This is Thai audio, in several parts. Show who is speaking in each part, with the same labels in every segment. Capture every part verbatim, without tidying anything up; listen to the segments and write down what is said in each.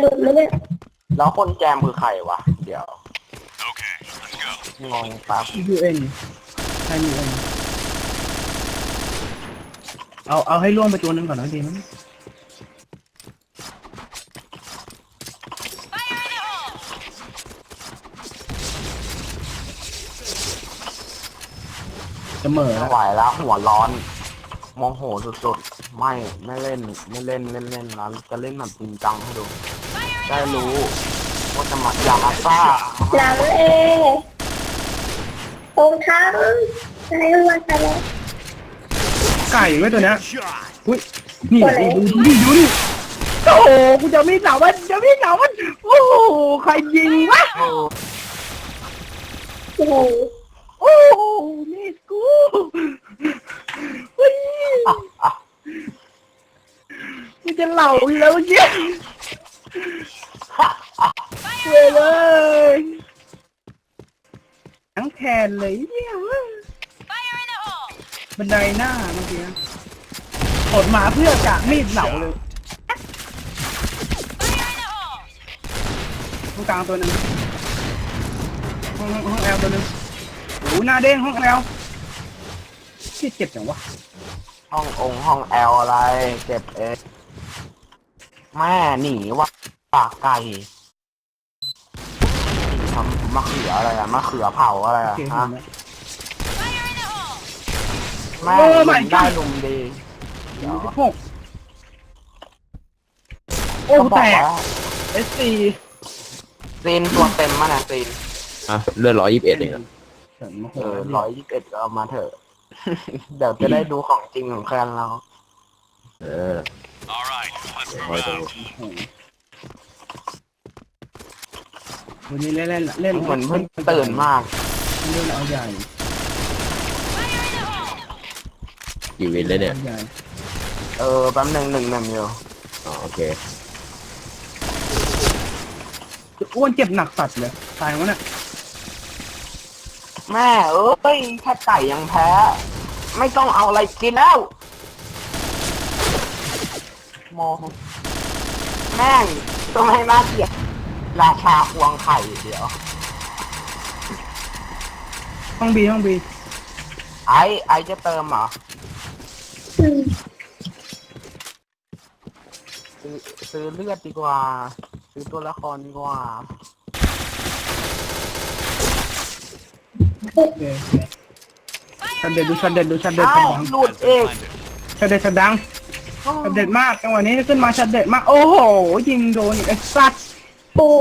Speaker 1: หลุดไหมเนี่ย
Speaker 2: แล้วคนแจมคือใครวะเดี๋ยวงงปั๊บ
Speaker 3: ยูเอ็นใช่ยูเอ็นเอาเอาให้ล่วงไปตัวหนึ่งก่อนนะดีมั้ยจะเหม่อ
Speaker 2: ไม่
Speaker 3: แล้ว
Speaker 2: ไหวแล้วหัวร้อนโมโหสุดๆไม่ไม่เล่นไม่เล่นเล่นเล่นแล้วจะเล่นแบบจริงจังให้ดูได้รู้ว่าจะมาอยากอาซ่า
Speaker 1: หลังเอตรงทั้งอะไรวันไปแล้ว
Speaker 3: ไก่ไว้ตัวเนี้ยอุ้ยนี่ดูดิดูดิโอ้โหกูจะมีสาวมันจะมีสาวมันโอ้โหใครยิงวะ
Speaker 1: โอ้โห
Speaker 3: โอ้โหนี่กูอุ้ยมันจะเหล่าอยู่แล้วเนี่ยเว้ยเลยทั้งแทนเลยเนี่ยบันไดหน้าเมื่อกี้กดมาเพื่อกะมีดเหล่าเลยห้องกลางตัวหนึ่งห้องห้องแอลตัวหนึ่งโอ้หน้าเด้งห้องแอลที่เจ็บจังวะ
Speaker 2: ห้ององค์ห้องแอลอะไรเก็บเองแม่หนีวะปากไก่ทำมะเขืออะไรอะมะเขือเผาอะไรอะฮะแม่ได้ลุมดีเดี๋ยว
Speaker 3: หกโอ้แตกเอสซี
Speaker 2: ซีนตัวเต็มมาเนี่ยซีน
Speaker 4: อ่ะเลือดร้อยยี่สิบเอ็ดเอง
Speaker 2: เออร้อยยี่สิบเอ็ดก็เอามาเถอะเดี๋ยวจะได้ดูของจริงของแคนเรา
Speaker 4: เออคอยดู
Speaker 3: วันนี้เล่นเล่นเล่น
Speaker 2: เหมือนเพิ่งตื่นมาก
Speaker 3: เล่นเอาใหญ่
Speaker 4: กี่วินเลยเนี่ย
Speaker 2: เออแป๊บหนึ่งหนึ่งหนึ่งอยู่
Speaker 4: อ๋อโอเค
Speaker 3: อ้วนเจ็บหนักสัตว์เลยตายวะเนี่ย
Speaker 2: แม่เอ้ยแค่ไก่ยังแพ้ไม่ต้องเอาอะไรกินแล้วโมแม่งต้องให้น่าเกลียดราชาควงไข่เดี๋ยว
Speaker 3: ห้องบีห้องบี
Speaker 2: ไอไอจะเติมเหรอซื้อซื้อเลือดดีกว่าซื้อตัวละครดีกว่า
Speaker 3: ชัดเด็ดดูชัดเด็ดดูชัดเด็ด
Speaker 2: ชัดดังหลุดเอง
Speaker 3: ชัดเด็ดชัดดังชัดเด็ดมากจังหวะนี้ขึ้นมาชัดเด็ดมากโอ้โหยิงโดนอีกไอ้สัตว์
Speaker 1: โอ้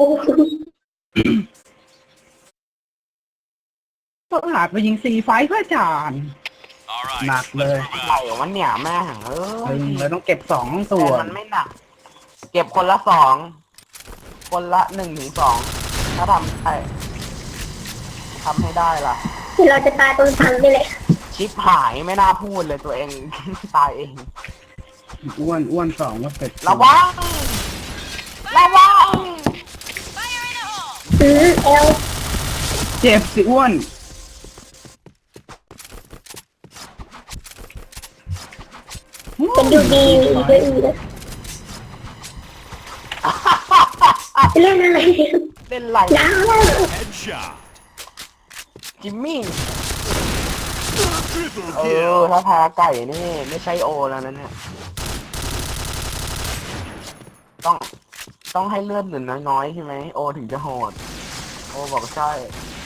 Speaker 3: ก็หาไปยิงสี่ไฟเพื่อจานหนักเลย
Speaker 2: ไหลวันเนี่ยแม่เออ
Speaker 3: เราต้องเก็บสองตัว
Speaker 2: มันไม่หนักเก็บคนละสองคนละหนึ่งถึงสองถ้าทำได้ทำให้ได้ล่ะ
Speaker 1: ที่เราจะตายตรงทันนี่แหละ
Speaker 2: ชิปหายไม่น่าพูดเลยตัวเองตายเอง
Speaker 3: อ้วนอ้วนสองก็เสร็จ
Speaker 2: ระวังระวัง
Speaker 1: อือเอล
Speaker 3: เจ็บสิอ้วน
Speaker 1: เป็นดูดีเลยอือเล่นอะไร
Speaker 2: เล่นไร
Speaker 1: น้ำ
Speaker 2: จิมมี่เออถ้าแพ้ไก่นี่ไม่ใช่โอแล้วนะเนี่ยต้องต้องให้เลือดหนึ่งน้อยๆใช่ไหมโอถึงจะโหดโอบอกใช่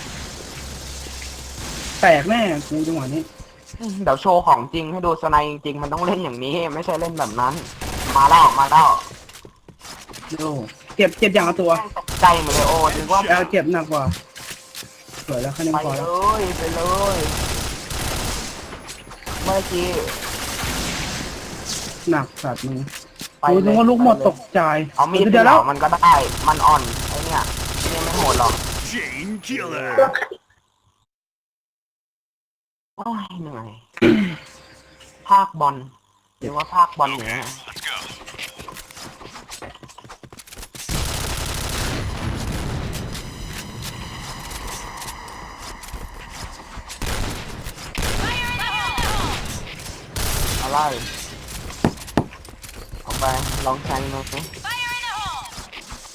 Speaker 3: แตกแน่กูจังหวะนี้
Speaker 2: เดี๋ยวโชว์ของจริงให้ดูสไนจริงมันต้องเล่นอย่างนี้ไม่ใช่เล่นแบบนั้นมาแล้วมาแล้ว
Speaker 3: เจ็บเจ็บอย่างละตัว
Speaker 2: ตกใจหมดเลยโอ้นึกว่า
Speaker 3: เอลเจ็บหนักกว่าสวยแล้วคะแนนพอแล้ว
Speaker 2: ไปเลยไปเลยเมื่อกี้
Speaker 3: หนักสัตว์มึงดูนึกว่าลูกหมดตกใจ
Speaker 2: เอามีดเดี๋ยวแล้วมันก็ได้มันอ่อนไอ้เนี่ยนี่ไม่โหดหรอกโอ้ยเหนื่อยภาคบอลหรือว่าภาคบอลอย่างเงี้ยอะไรเอาไปลองแทงดูสิ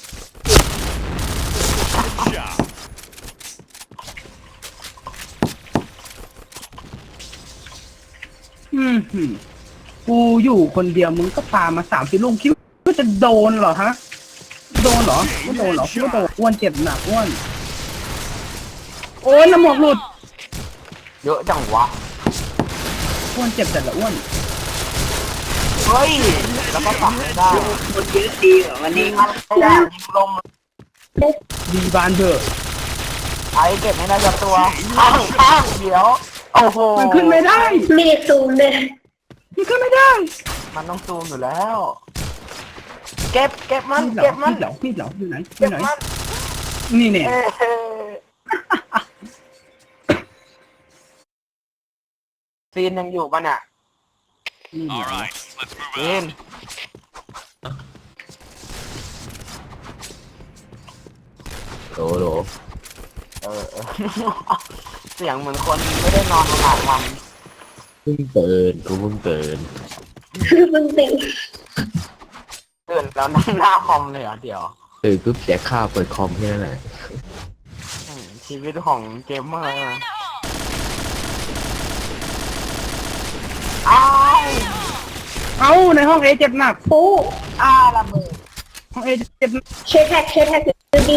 Speaker 3: หือกูอยู่คนเดียวมึงก็ปามาสามสิบลูกคิดว่าจะโดนเหรอฮะโดนเหรอไม่โดนเหรอไม่โดนอ้วนเจ็บหนักอ้วนโอ้ยน้ำหมวกหลุด
Speaker 2: เยอะจังวะ
Speaker 3: อ้วนเจ็บแต่ละอ้วน
Speaker 2: เฮ้ยแล้วก็ฝังไม่ได้
Speaker 5: คนเยอะดีเหรอวันนี้
Speaker 2: ยิงมันไม่ได้ยิงลม
Speaker 3: ดีบานเถอะ
Speaker 2: ไอ้เก็บไม่ได้สักตัวข้างข้างเดี๋ยวโอ้โห
Speaker 3: มันขึ้นไม่ได้
Speaker 1: มีดซูมเลย
Speaker 3: มันขึ้นไม่ได้
Speaker 2: มันต้องซูมอยู่แล้ว เก็บเก็บมัน
Speaker 3: มีดเหร
Speaker 2: เก็
Speaker 3: อบ
Speaker 2: มัน
Speaker 3: มีดเหรอมีดเหรออยู่ไหนอ
Speaker 2: เก็
Speaker 3: ยู่
Speaker 2: บ
Speaker 3: ไหน
Speaker 2: มัน
Speaker 3: นี่เนี่ย
Speaker 2: เอ้ยซีนยังอยู่ปะเนี่ย
Speaker 3: นี่เหรอ
Speaker 2: ซีน
Speaker 4: โหลโหล
Speaker 2: เออเออ เสียงเหมือนคนไม่ได้นอนมาหลายวัน
Speaker 4: เพิ่งตื่นกูเพิ่งตื่น
Speaker 1: มึงติง
Speaker 2: ตื่นแล้วนั่งหน้าคอมเลยเหรอเดี๋ยว
Speaker 4: ตื่นปุ๊บแจกข้าวเปิดคอมแค่นั้นแหละ
Speaker 2: อืมชีวิตของเกมเมอร์อ้าว
Speaker 3: เอ้าในห้องเอเจ็บหนัก
Speaker 1: ปู
Speaker 2: อ้าวระเบิด
Speaker 3: ห้องเอเจ็บหนัก
Speaker 1: เชฟแท็กเชฟแท็กดูดี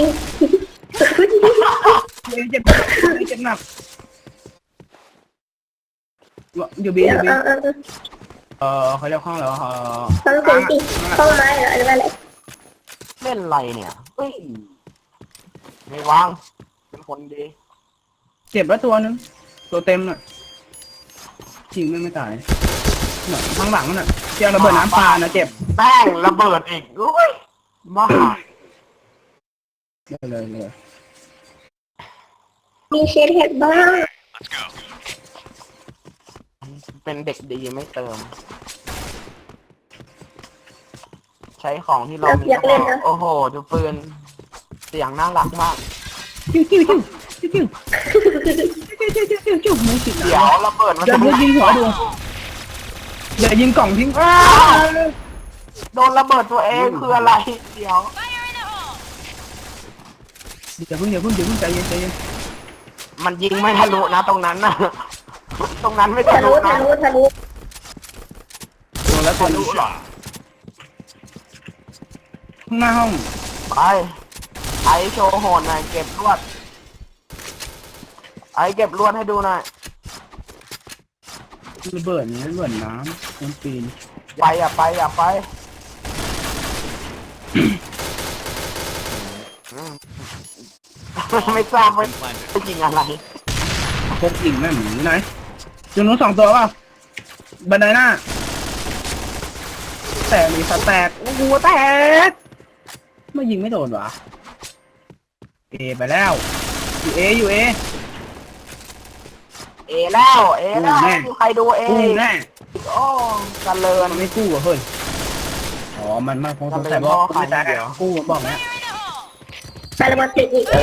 Speaker 3: เอเจ็บหนักเอเจ็บหนักเดี๋ยวบี
Speaker 1: เอ
Speaker 3: เดี๋ยวบี
Speaker 1: อเออเออ
Speaker 3: เออเขาเรียกห้องอะไรวะเออ
Speaker 1: ฟังเสียงสิต้นไม้เหรอหรืออะไร
Speaker 2: เล่นอะไรเนี่ยเฮ้ยไม่วางเป็นคนดี
Speaker 3: เจ็บแล้วตัวนึงตัวเต็มน่ะจริงไม่ไม่ตายน่ะข้างหลังน่ะเจียงระเบิดน้ำปลานะเจ็บ
Speaker 2: แป้งระเบิดอีกอุ้ยบ้า
Speaker 3: เลยเลยเลย
Speaker 1: มีเชฟแท็กบ้าง
Speaker 2: เป็นเด็กดีไม่เติม ใช้ของที่เรามีก็พอโอ้โหดูปืนเสียงน่ารักมาก
Speaker 3: จิ้วจิ้วจิ้วจิ้วจิ้วจิ้วจิ้วจิ้วจิ้วจิ้วไม่ติด
Speaker 2: เดี๋ยวระเบิดมัน
Speaker 3: เดี๋ยว
Speaker 2: จะ
Speaker 3: เดี๋ยวยิงหัวดูเดี๋ยวยิงกล่องทิ้ง
Speaker 2: อ้าวโดนระเบิดตัวเองคืออะไร เดี๋ยว
Speaker 3: เดี๋ยวเพิ่งเดี๋ยวเพิ่งเดี๋ยวเพิ่งใจเย็นใจเย็น
Speaker 2: มันยิงไม่ทะลุนะตรงนั้นนะตรงนั้นไม่
Speaker 1: ทะ
Speaker 2: ทะ
Speaker 1: ลุ
Speaker 2: ลุ
Speaker 1: ทะ
Speaker 2: นะ
Speaker 1: ลุทะลุ
Speaker 3: ตัวแล้วตัว
Speaker 2: ทะลุ
Speaker 3: นี้
Speaker 2: เหรอ
Speaker 3: ข้างหน้าห้อง
Speaker 2: ไปไอโชว์โหนหน่อยเก็บลวด ไอเก็บลวดให้ดูหน่อย
Speaker 3: ระเบิดนี้ระเบิดน้ำมันปีน
Speaker 2: ไปอย่าไปอย่าไปอืมไม่ทราบว่าจะยิงอะไร
Speaker 3: พกยิงแม่หมีไหนจุดนู้นสองตัวเปล่าบันไดหน้าแตกมีสแตกโอ้โหแตกไม่ยิงไม่โดนวะเอไปแล้วอยู่เออยู่เอ
Speaker 2: เอแล้วเอแล้ว
Speaker 3: แน่
Speaker 2: มีใครดูเอ
Speaker 3: กู้แน่
Speaker 2: โอ้กันเลิน
Speaker 3: มันไม่กู้เหรอเฮ้ยอ๋อมันมันคงสงสัยว่ากูไม่แตกอะกู้บอกเนี้ย
Speaker 1: ไประเบิดติดอีก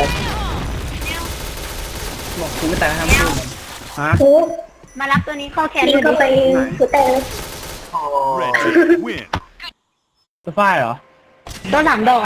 Speaker 3: บอกกูไม่แตกทำกู้มันฮะ
Speaker 1: ปู
Speaker 5: มารับตัวนี้เข้าแขน
Speaker 1: ยิง
Speaker 5: เลย
Speaker 1: เข้าไปหัวแตกเลย
Speaker 2: โอ้
Speaker 6: Win.
Speaker 3: ตัวฝ้ายเหรอ
Speaker 5: ตัวสามดอก